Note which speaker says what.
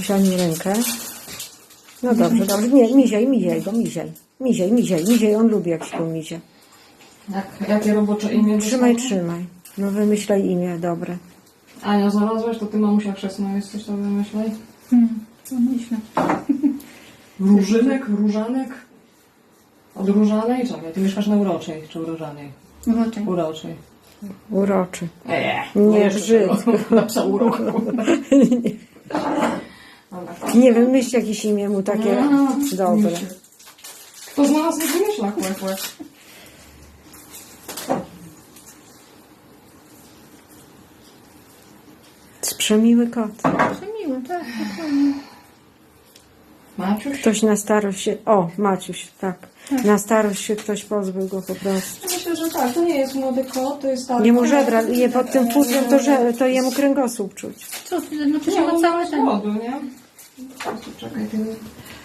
Speaker 1: Maciuś, ani rękę. No dobrze, dobrze. Nie, miziaj go, miziaj. Miziaj, on lubi jak się go mizia.
Speaker 2: Jakie robocze imię
Speaker 1: Trzymaj.
Speaker 2: dostało?
Speaker 1: No wymyślaj imię, dobre.
Speaker 2: Ania, znalazłaś? To ty, mamusia chrzestna jesteś, to wymyślaj.
Speaker 3: Co myślę?
Speaker 2: Różynek? Różanek? Od Różanej? Czekaj, ty mieszkasz na Uroczej czy Urożanej?
Speaker 3: Uroczej.
Speaker 2: Uroczej.
Speaker 1: Uroczy.
Speaker 2: Nie
Speaker 1: Nie brzydko.
Speaker 2: Nasza uroku.
Speaker 1: Nie wymyśl jakieś imię mu takie dobre.
Speaker 2: Kto znalazł, nie wymyśla, kłe.
Speaker 1: Przemiły kot.
Speaker 3: Przemiły, tak, dokładnie.
Speaker 2: Maciuś?
Speaker 1: Ktoś na starość się... O, Maciuś, tak. Na starość się ktoś pozbył go po prostu.
Speaker 2: Myślę, że tak. To nie jest młody kot, to jest stary
Speaker 1: Jemu
Speaker 2: kot.
Speaker 1: żebra, je pod tym futrem, to jemu kręgosłup czuć.
Speaker 3: Co, znaczy się
Speaker 2: No,
Speaker 3: ma całe ten...
Speaker 2: młody, nie? Czekaj, ty...